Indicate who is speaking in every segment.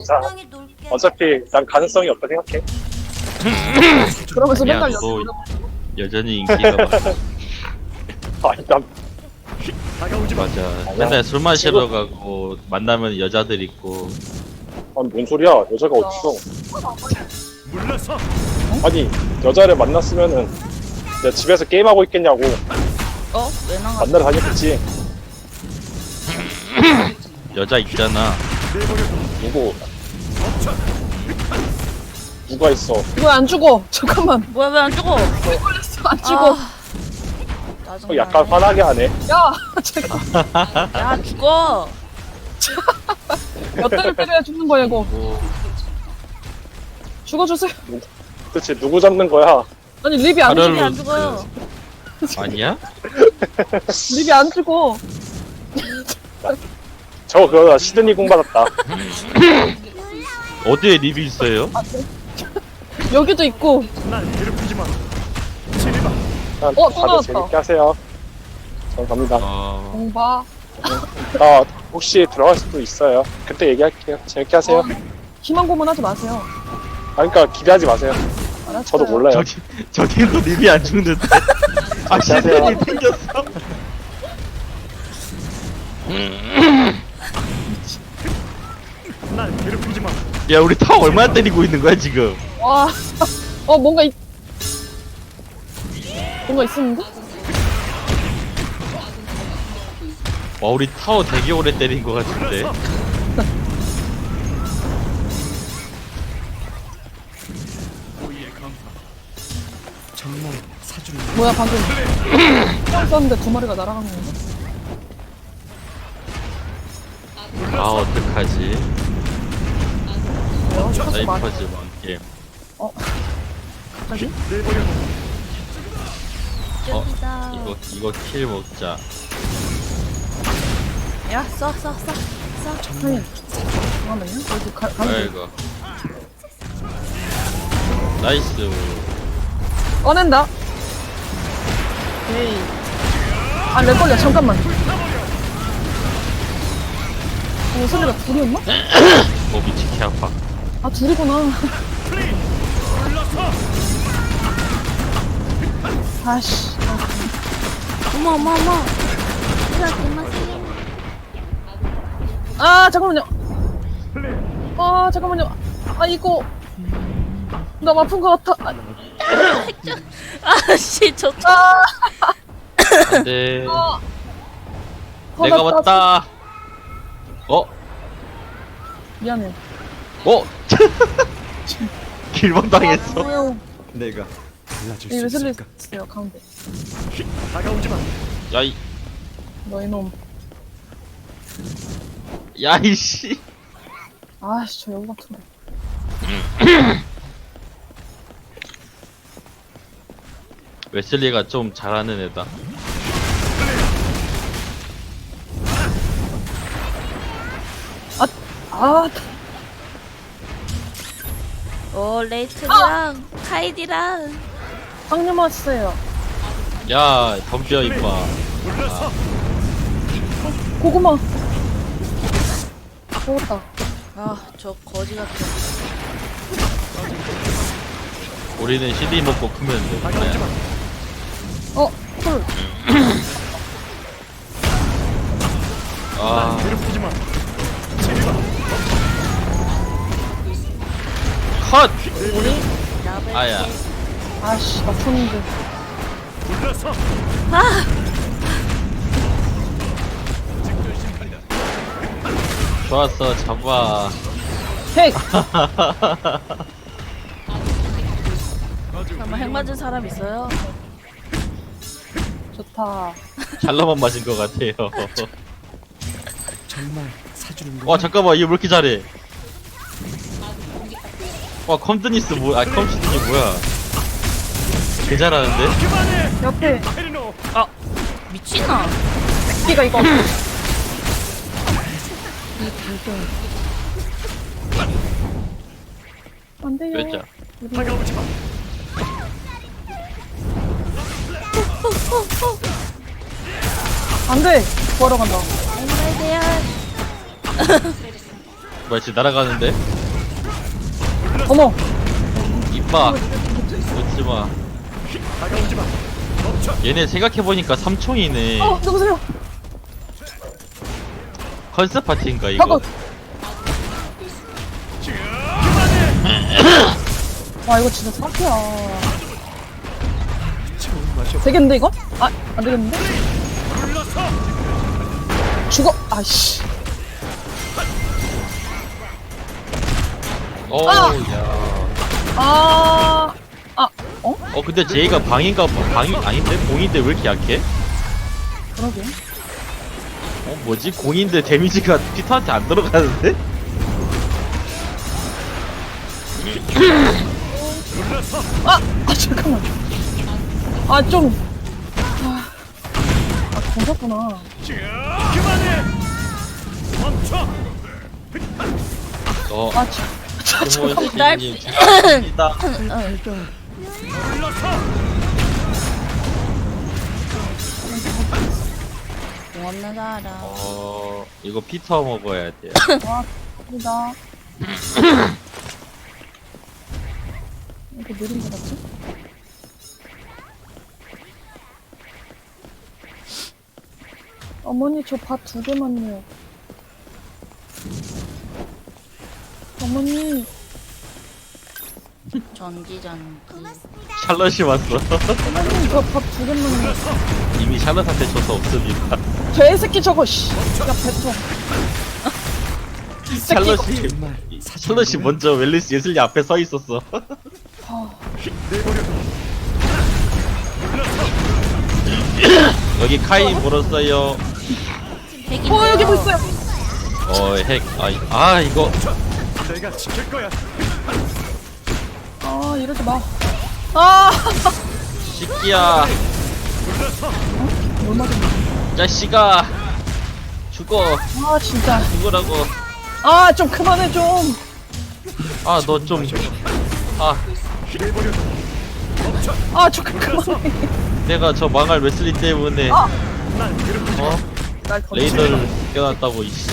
Speaker 1: 괜찮아.
Speaker 2: 적당히 놀게.
Speaker 1: 어차피 난 가능성이 없다 생각해.
Speaker 3: 그러면서
Speaker 4: 야,
Speaker 3: 맨날
Speaker 4: 너
Speaker 3: 연습.
Speaker 4: 여전히 인기가 많아.
Speaker 1: 아니 난
Speaker 4: 맞아. 맨날 술 마시러 가고 만나면 여자들 있고.
Speaker 1: 아니 뭔 소리야? 여자가 어딨어? 아니 여자를 만났으면은 내가 집에서 게임하고 있겠냐고.
Speaker 2: 왜 나가?
Speaker 1: 만나러 다녔겠지.
Speaker 4: 여자 있잖아.
Speaker 1: 누가 있어?
Speaker 3: 왜 안 죽어? 잠깐만.
Speaker 2: 뭐야 왜 안 죽어?
Speaker 3: 왜 걸렸어? 안 죽어.
Speaker 2: 짜증나.
Speaker 1: 약간 화나게 하네.
Speaker 3: 야, 제가
Speaker 2: 야 죽어.
Speaker 3: 몇 대를 때려야 죽는 거야 이거.
Speaker 4: 뭐
Speaker 3: 죽어주세요.
Speaker 1: 도대체 누구 잡는 거야?
Speaker 3: 아니 립이 안
Speaker 4: 하루를-
Speaker 3: 죽어.
Speaker 2: 안 죽어요.
Speaker 4: 아니야?
Speaker 3: 립이 안 죽어.
Speaker 1: 저거 그거 시드니 공 받았다.
Speaker 4: 어디에 립이 있어요?
Speaker 3: 여기도 있고.
Speaker 1: 일단
Speaker 3: 또
Speaker 1: 다들
Speaker 3: 나왔다.
Speaker 1: 재밌게 하세요. 전 갑니다.
Speaker 3: 공바.
Speaker 1: 나 혹시 들어갈 수도 있어요. 그때 얘기할게요. 재밌게 하세요.
Speaker 3: 희망 고문하지 마세요.
Speaker 1: 아, 그러니까 기대하지 마세요.
Speaker 3: 알았어요.
Speaker 1: 저도 몰라요.
Speaker 4: 저기도 립이 안 죽는데. 아, 시드니 생겼어. 야, 우리 타워 얼마나 때리고 있는 거야 지금?
Speaker 3: 와. 뭔가 뭔가 있었는데?
Speaker 4: 와, 우리 타워 되게 오래 때린 거 같은데.
Speaker 3: 뭐야 방금 총 쐈는데 두 마리가 날아가는 건가?
Speaker 4: 아, 어떡하지?
Speaker 3: 왜요? 샷수 많이.
Speaker 4: 사이퍼즈 게임.
Speaker 3: 갑자기?
Speaker 2: 저기다.
Speaker 4: 이거 킬 먹자.
Speaker 2: 야 쏴.
Speaker 3: 아니 잠깐만요. 여기 가는
Speaker 4: 아이고. 나이스.
Speaker 3: 꺼낸다. 에이. 아, 내 걸려. 잠깐만. 소리가 둘이었나?
Speaker 4: 미치 개 아파.
Speaker 3: 아, 둘이구나. 아씨.
Speaker 2: 어머.
Speaker 3: 아, 잠깐만요. 아, 잠깐만요. 아, 이거. 나 아픈 것 같아.
Speaker 2: 아씨 저.
Speaker 3: 아,
Speaker 4: 안돼.
Speaker 3: 나
Speaker 4: 내가
Speaker 3: 땄어.
Speaker 4: 왔다.
Speaker 3: 미안해.
Speaker 4: 길망 당했어.
Speaker 3: 뭐야.
Speaker 5: 내가 달라질
Speaker 3: 이
Speaker 5: 수
Speaker 3: 웨슬리
Speaker 5: 있을까?
Speaker 3: 있어요, 가운데.
Speaker 4: 야이,
Speaker 3: 너 이놈.
Speaker 4: 야이씨.
Speaker 3: 아씨, 저 여우 같은데.
Speaker 4: 웨슬리가 좀 잘하는 애다.
Speaker 3: 아,
Speaker 2: 레이튼이랑 카이디랑.
Speaker 3: 빵님 왔어요.
Speaker 4: 야, 덤벼 임마.
Speaker 3: 고구마. 먹었다.
Speaker 2: 저 거지 같은.
Speaker 4: 우리는 CD 먹고 크면 돼.
Speaker 3: 콜.
Speaker 4: 아, 컷. 아야.
Speaker 3: 아씨, 나 쳤는데.
Speaker 4: 좋았어, 잡아.
Speaker 3: 헤이!
Speaker 2: 설마 핵 맞은 사람 있어요?
Speaker 3: 좋다.
Speaker 4: 잘라만 맞은 것 같아요.
Speaker 5: 정말 사주는
Speaker 4: 와, 잠깐만, 얘 왜 이렇게 잘해? 와, 컴드니스 컴시드니 뭐야? 개 잘하는데?
Speaker 3: 옆에
Speaker 2: 미친아.
Speaker 3: 새끼가 이거. 안 돼요.
Speaker 4: 왜자?
Speaker 3: 안 돼. 구하러 간다.
Speaker 2: 앵글대야.
Speaker 4: 뭐야, 지금 날아가는데?
Speaker 3: 어머.
Speaker 4: 이봐. 웃지마. 얘네 생각해보니까 삼총이네.
Speaker 3: 누구세요?
Speaker 4: 컨셉 파티인가 이거?
Speaker 3: 잠깐. 와 이거 진짜 사기야. 되겠는데 이거? 아 안되겠는데? 죽어. 아씨.
Speaker 4: 오,
Speaker 3: 아!
Speaker 4: 야.
Speaker 3: 어?
Speaker 4: 근데 제이가 방인가 봐. 방이 아닌데? 공인데 왜 이렇게 약해?
Speaker 3: 그러게.
Speaker 4: 뭐지? 공인데 데미지가 피터한테 안 들어가는데?
Speaker 3: 잠깐만. 괜찮구나.
Speaker 2: 날-
Speaker 4: 티모시님 죄송합니다.
Speaker 2: 공 없는 사람.
Speaker 4: 이거 피터 먹어야 돼요.
Speaker 3: 감사합니다. 이렇게 느린 거 같지? 어머니 저 밥 2개만요. 어머니
Speaker 2: 전지.
Speaker 4: 샬럿이 왔어.
Speaker 3: 어머니 저 밥 2개만요.
Speaker 4: 이미 샬럿한테 줘서 없습니다.
Speaker 3: 개새끼 저거 씨. 야 배통.
Speaker 4: 샬럿이 먼저 웰리스 예슬리 앞에 서 있었어. 여기 카이 물었어요.
Speaker 2: 핵인데요.
Speaker 3: 여기 뭐 있어요?
Speaker 4: 핵. 이거
Speaker 5: 내가 지킬 거야.
Speaker 3: 이러지 마.
Speaker 4: 시끼야.
Speaker 3: 뭘 맞았냐?
Speaker 4: 자식아. 죽어.
Speaker 3: 진짜.
Speaker 4: 죽으라고.
Speaker 3: 좀 그만해 좀.
Speaker 4: 너 좀.
Speaker 3: 좀 그만해.
Speaker 4: 내가 저 망할 웨슬리 때문에
Speaker 3: 날 던지.
Speaker 4: 레이더를 껴놨다고 이씨.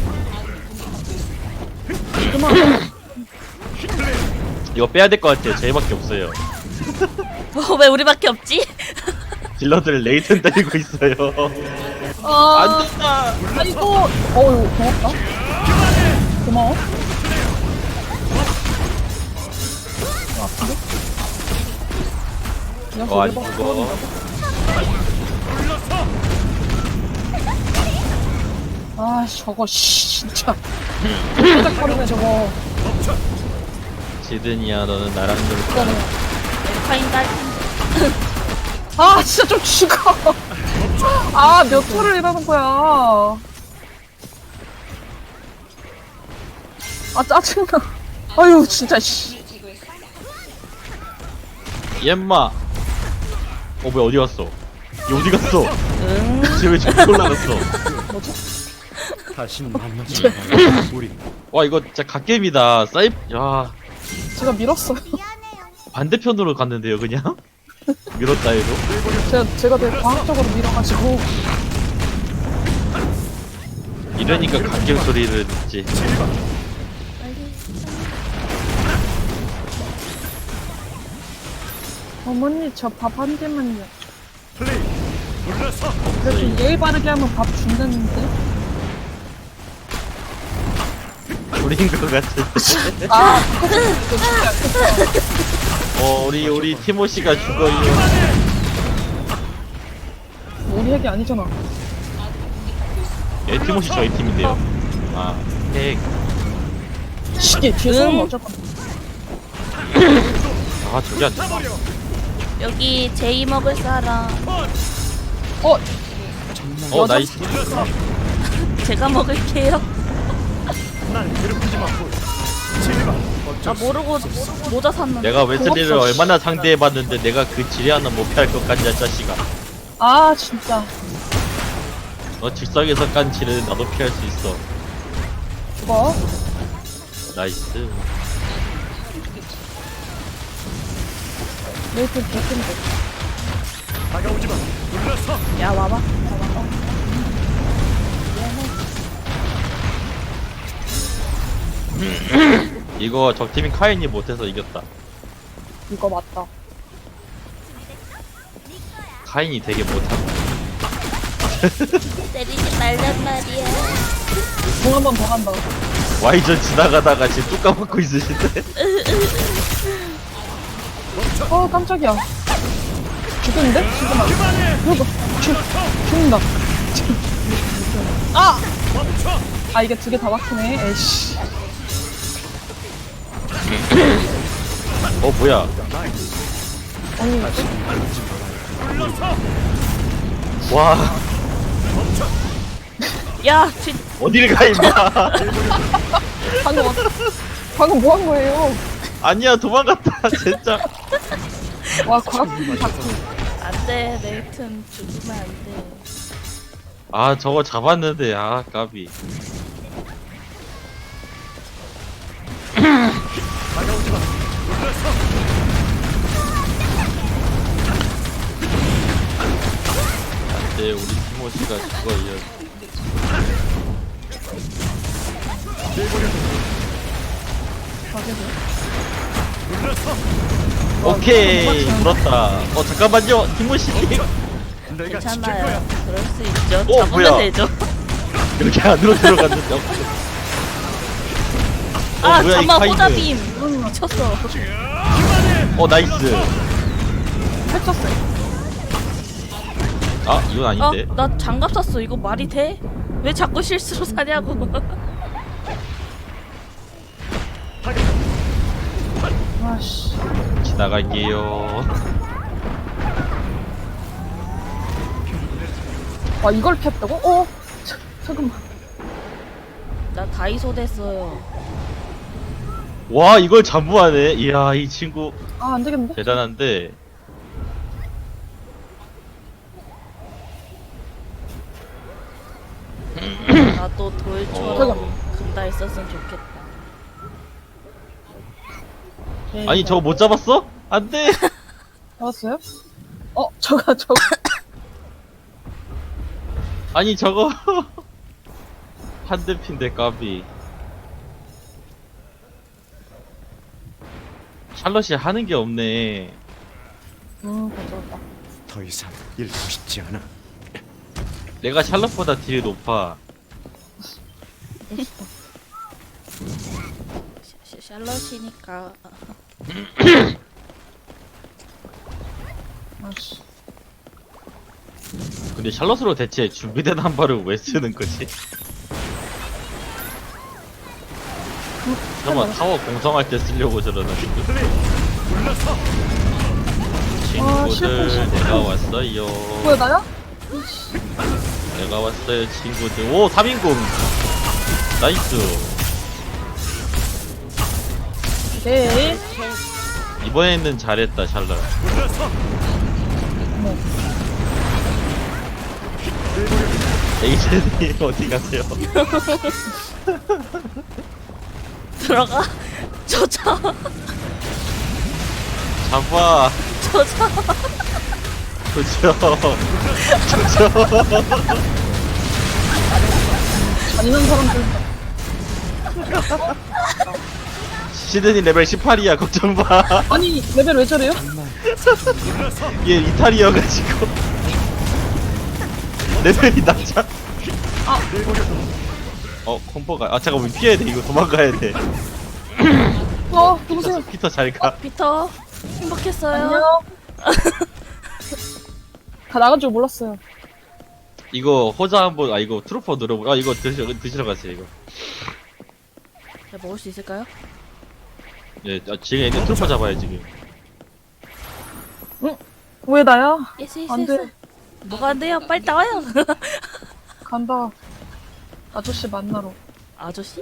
Speaker 3: 그만.
Speaker 4: 이거 빼야 될 것 같아요. 저희밖에 없어요.
Speaker 2: 왜 우리밖에 없지?
Speaker 4: 딜러들 레이튼 때리고 있어요. 안 된다.
Speaker 3: 이거 고맙다. 고마워. 아픈데? 그냥
Speaker 4: 안
Speaker 3: 저기
Speaker 4: 죽어.
Speaker 3: 저거 진짜 깜짝거리네 저거.
Speaker 4: 지든이야 너는 나랑 놀까?
Speaker 2: 파인 딸.
Speaker 3: 진짜 좀 죽어. 몇 초를 이러는 거야. 짜증나. 아유 진짜 씨.
Speaker 4: 옌마. 뭐야 어디 갔어? 얘 어디 갔어? 쟤왜 저기 올라갔어?
Speaker 5: 다시는 만나지 마. 우리
Speaker 4: 와 이거 진짜 갓겜이다. 야
Speaker 3: 제가 밀었어요.
Speaker 4: 반대편으로 갔는데요 그냥? 밀었다 해도.
Speaker 3: 제가 되게 과학적으로 밀어가지고.
Speaker 4: 이러니까 갓겜 소리를 듣지.
Speaker 3: 어머니 저 밥 한 개만요.
Speaker 5: 플레이. 불러서
Speaker 3: 그래도 예의 바르게 하면 밥 준다는데.
Speaker 4: 우린 것 같은데. 우리 티모시가 죽어요.
Speaker 3: 우리 핵이 아니잖아.
Speaker 4: 예, 티모시 저희 팀인데요. 핵.
Speaker 3: 시계 뒤에서 는 어쩔 건데.
Speaker 4: 저기 안 돼.
Speaker 2: 여기 제이 먹을 사람.
Speaker 4: 나이스.
Speaker 2: 제가 먹을게요.
Speaker 5: 난 괴롭히지 마. 진리가
Speaker 2: 모르고 모자 샀는데.
Speaker 4: 내가 웨슬리를 얼마나 상대해봤는데 내가 그 지뢰 하나 못 피할 것 같냐 자식아.
Speaker 3: 진짜.
Speaker 4: 너 즉석에서 깐 지뢰는 나도 피할 수 있어.
Speaker 3: 죽어.
Speaker 4: 나이스.
Speaker 3: 메이플 개큰데.
Speaker 5: 다가오지 마. 불러서
Speaker 2: 야 와봐.
Speaker 4: 이거 적팀인 카인이 못해서 이겼다.
Speaker 3: 이거 맞다.
Speaker 4: 카인이 되게 못함.
Speaker 2: 때리지 말란 말이야.
Speaker 3: 공 한 번 더 간다.
Speaker 4: Y전 지나가다가 지금 뚝 까먹고 있으신데.
Speaker 3: 깜짝이야. 죽겠는데? 잠깐만. 이거 죽는다. 아! 아, 이게 두 개 다 막히네. 에이씨.
Speaker 4: 뭐야?
Speaker 3: 아니,
Speaker 4: 와,
Speaker 2: 야,
Speaker 4: 어딜 가 임마.
Speaker 3: 방금, 방금 뭐 한 거예요?
Speaker 4: 아니야, 도망갔다. 진짜.
Speaker 3: 와, 과학기
Speaker 2: 안돼, 레이튼 죽으면 안돼.
Speaker 4: 아, 저거 잡았는데, 아, 까비.
Speaker 5: 다가오지 마. 물러서.
Speaker 4: 네, 우리 티모시가 죽어요.
Speaker 5: 물러서.
Speaker 4: 오케이, 물었다. 잠깐만요, 티모시님.
Speaker 5: 내가 지킬
Speaker 2: 괜찮아요.
Speaker 5: 거야.
Speaker 2: 그럴 수 있죠.
Speaker 4: 뭐야?
Speaker 2: 잡으면 되죠.
Speaker 4: 이렇게 안으로 들어갔는데.
Speaker 2: 아,
Speaker 4: 뭐야, 이
Speaker 2: 잠만
Speaker 4: 카이드.
Speaker 2: 호자빔. 미쳤어.
Speaker 4: 나이스.
Speaker 3: 펼쳤어요.
Speaker 4: 아, 이건 아닌데.
Speaker 2: 나 장갑 샀어. 이거 말이 돼? 왜 자꾸 실수로 사냐고.
Speaker 3: 아씨.
Speaker 4: 지나갈게요.
Speaker 3: 와, 이걸 폈다고? 잠깐만.
Speaker 2: 나 다이소 됐어요.
Speaker 4: 와, 이걸 잠부하네. 이야, 이 친구
Speaker 3: 아, 안 되겠는데?
Speaker 4: 대단한데.
Speaker 2: 나도 돌처럼 금다 있었으면 좋겠다.
Speaker 4: 아니, 저거 못 잡았어? 안 돼.
Speaker 3: 잡았어요? 저거.
Speaker 4: 아니, 저거. 한 대 핀데, 까비. 샬럿이 하는 게 없네.
Speaker 3: 가져왔다.
Speaker 5: 더 이상 잃고 싶지 않아.
Speaker 4: 내가 샬럿보다 딜이 높아.
Speaker 2: 샬럿이니까.
Speaker 3: 아씨.
Speaker 4: 근데 샬럿으로 대체 준비된 한 발을 왜 쓰는 거지? 잠깐만, 타워 공성할 때 쓰려고 저러는
Speaker 5: 물러서.
Speaker 4: 친구들.
Speaker 3: 실패.
Speaker 4: 내가 왔어요.
Speaker 3: 뭐야, 나야?
Speaker 4: 내가 왔어요, 친구들. 오, 3인공. 나이스.
Speaker 3: 오케이.
Speaker 4: 이번에는 잘했다, 샬럿.
Speaker 5: 물러서.
Speaker 4: 에이젠이 어디 가세요?
Speaker 2: 들어가. 저자.
Speaker 4: 잡아.
Speaker 2: 저자.
Speaker 4: 그죠.
Speaker 3: 잔인한 사람들.
Speaker 4: 시드니 레벨 18이야, 걱정 마.
Speaker 3: 아니, 레벨 왜 저래요?
Speaker 4: 얘 이탈이어가지고. 레벨이 낮아. 콤보가. 잠깐만, 피해야 돼. 이거 도망가야 돼.
Speaker 3: 누구세요?
Speaker 4: 피터 잘 가.
Speaker 2: 피터. 행복했어요.
Speaker 3: 안녕. 다 나간 줄 몰랐어요.
Speaker 4: 이거 호자 한번, 이거 트루퍼 눌러보. 이거 드시러 가세요, 이거.
Speaker 2: 자, 먹을 수 있을까요?
Speaker 4: 예, 지금 얘네 트루퍼 잡아야 지금.
Speaker 3: 왜 나야?
Speaker 2: 예스, 예스,
Speaker 3: 안 돼.
Speaker 2: 예스. 뭐가 안 돼요? 빨리 나와요.
Speaker 3: 간다. 아저씨 만나러.
Speaker 2: 아저씨?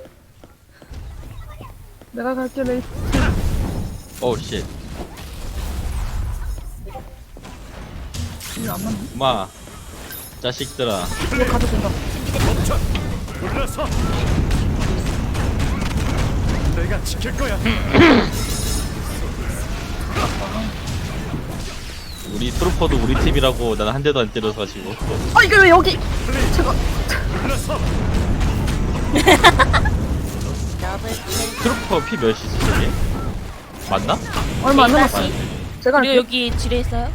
Speaker 3: 내가 갈게, 레이트.
Speaker 4: 오우, 쉣.
Speaker 3: 이거 안 맞네?
Speaker 4: 엄마. 자식들아.
Speaker 3: 이거 가도 된다.
Speaker 5: 물러서. 내가 지킬 거야.
Speaker 4: 우리 트루퍼도 우리 팀이라고 난 한 대도 안 때려서 가지고.
Speaker 3: 이게 왜 여기? 제가.
Speaker 5: 물러서.
Speaker 2: 더블 킬.
Speaker 4: 트루퍼 피 몇이지 저게? 맞나?
Speaker 3: 얼마 안 남았어.
Speaker 2: 다시.
Speaker 3: 제가
Speaker 2: 그리고
Speaker 3: 할게요.
Speaker 2: 여기 지뢰 있어요?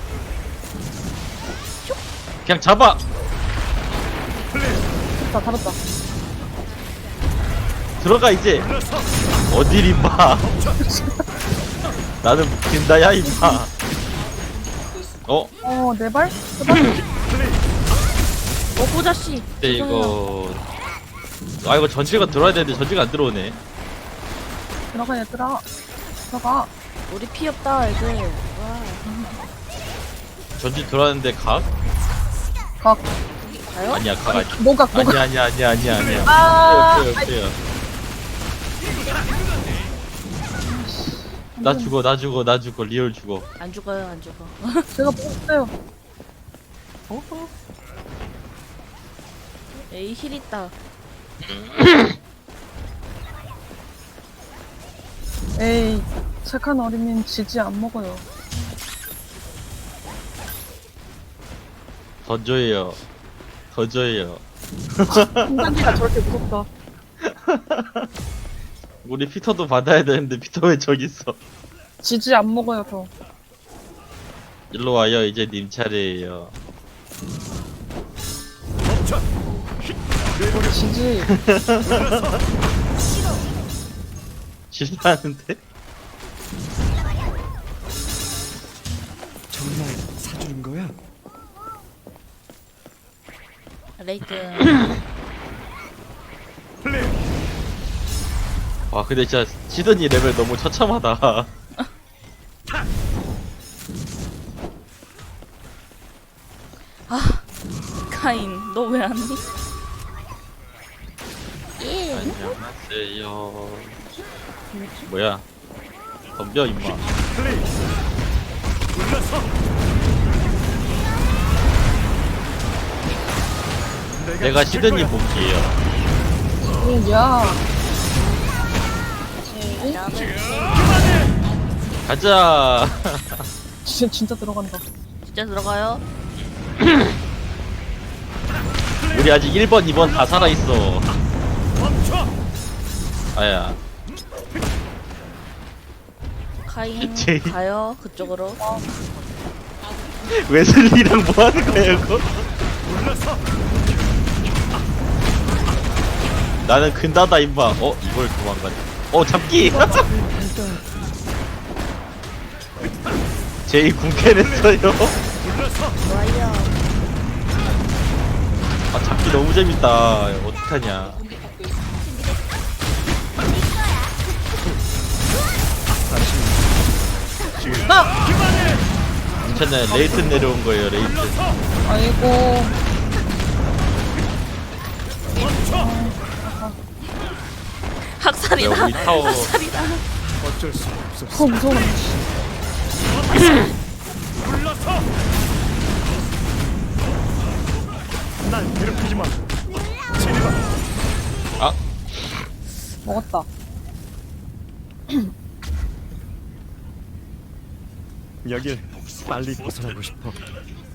Speaker 4: 그냥 잡아!
Speaker 3: 자, 달았다.
Speaker 4: 들어가 이제!
Speaker 5: 불러서
Speaker 4: 어딜 임마! 나는 묶인다야 임마! 어?
Speaker 3: 네 발? 세 발?
Speaker 2: 보자씨.
Speaker 4: 근데 이거... 아 이거 전지가 들어와야 되는데 전지가 안 들어오네.
Speaker 3: 들어가, 얘들아. 들어가.
Speaker 2: 우리 피 없다 애들. 와.
Speaker 4: 전지 들어왔는데 각?
Speaker 3: 각.
Speaker 2: 가요?
Speaker 4: 아니야 각 아니야.
Speaker 3: 노각, 노각.
Speaker 4: 아니야.
Speaker 3: 아,
Speaker 4: 없어요. 나 죽어 리얼 죽어.
Speaker 2: 안 죽어요 안 죽어.
Speaker 3: 제가 보고 있어요.
Speaker 2: 에이 힐 있다.
Speaker 3: 에이, 착한 어린이는 지지 안 먹어요.
Speaker 4: 던져요.
Speaker 3: 인간기가 저렇게 무섭다.
Speaker 4: 우리 피터도 받아야 되는데 피터 왜 저기 있어?
Speaker 3: 지지 안 먹어요, 저.
Speaker 4: 일로 와요. 이제 님 차례예요.
Speaker 5: 멈춰.
Speaker 3: 지지.
Speaker 4: 싫어하는데?
Speaker 5: 정말 사주는 거야?
Speaker 2: 레이튼.
Speaker 5: 플레이.
Speaker 4: 와 근데 진짜 시드니 레벨 너무 처참하다.
Speaker 2: 카인 너 왜 안 해? 예.
Speaker 4: 안녕하세요. 뭐야? 덤벼 임마.
Speaker 5: 플레이. 불러서
Speaker 4: 내가
Speaker 5: 지킬
Speaker 4: 시드니
Speaker 5: 거야.
Speaker 4: 볼게요.
Speaker 3: 야.
Speaker 4: 가자.
Speaker 3: 진짜 들어간다.
Speaker 2: 진짜 들어가요?
Speaker 4: 우리 아직 1번, 2번 다 살아있어.
Speaker 5: 멈춰.
Speaker 4: 아야.
Speaker 2: 카인
Speaker 4: 제이.
Speaker 2: 가요 그쪽으로.
Speaker 4: 웨슬리랑 뭐 하는 거야, 이거?
Speaker 5: 불러서
Speaker 4: 나는 근다다, 임마. 이걸 도망가네. 잡기! 제이 궁캔했어요.
Speaker 5: 불러서
Speaker 2: 좋아요.
Speaker 4: 아, 잡기 너무 재밌다. 어떡하냐. 괜찮아요. 레이튼 내려온 거예요, 레이튼.
Speaker 3: 아이고.
Speaker 2: 학살이다.
Speaker 4: 우리 타워.
Speaker 2: 학살이다.
Speaker 5: 어쩔 수 없어.
Speaker 3: 무서워.
Speaker 5: 불러서 날 괴롭히지 마. 지리마.
Speaker 4: 아,
Speaker 3: 먹었다.
Speaker 5: 여길 빨리 벗어나고 싶어.